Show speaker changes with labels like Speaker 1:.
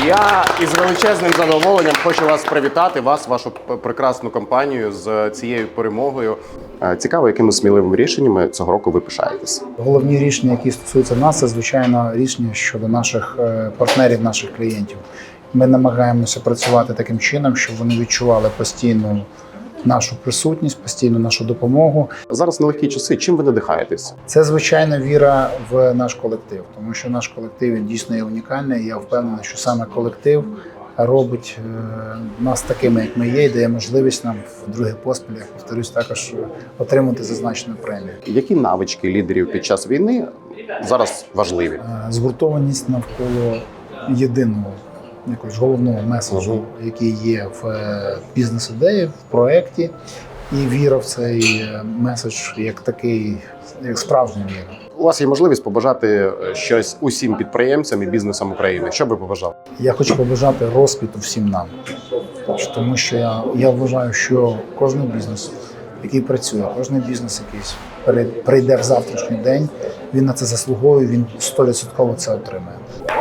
Speaker 1: Я із величезним задоволенням хочу вас привітати, вашу прекрасну компанію з цією перемогою. Цікаво, якими сміливими рішеннями цього року ви пишаєтесь?
Speaker 2: Головні рішення, які стосуються нас, це, звичайно, рішення щодо наших партнерів, наших клієнтів. Ми намагаємося працювати таким чином, щоб вони відчували постійну нашу присутність, постійну нашу допомогу.
Speaker 1: Зараз нелегкі часи. Чим ви надихаєтесь?
Speaker 2: Це, звичайно, віра в наш колектив, тому що наш колектив він дійсно є унікальний. І я впевнений, що саме колектив робить нас такими, як ми є, і дає можливість нам в другий поспіль, я повторюсь, також отримати зазначену премію.
Speaker 1: Які навички лідерів під час війни зараз важливі?
Speaker 2: Згуртованість навколо єдиного якогось головного меседжу, який є в бізнес-ідеї, в проєкті, і віра в цей меседж як такий, як справжня віра.
Speaker 1: У вас є можливість побажати щось усім підприємцям і бізнесам України. Що би побажали?
Speaker 2: Я хочу побажати розквіту всім нам, тому що я вважаю, що кожен бізнес, який працює, кожен бізнес, який прийде в завтрашній день, він на це заслуговує, він 100% це отримає.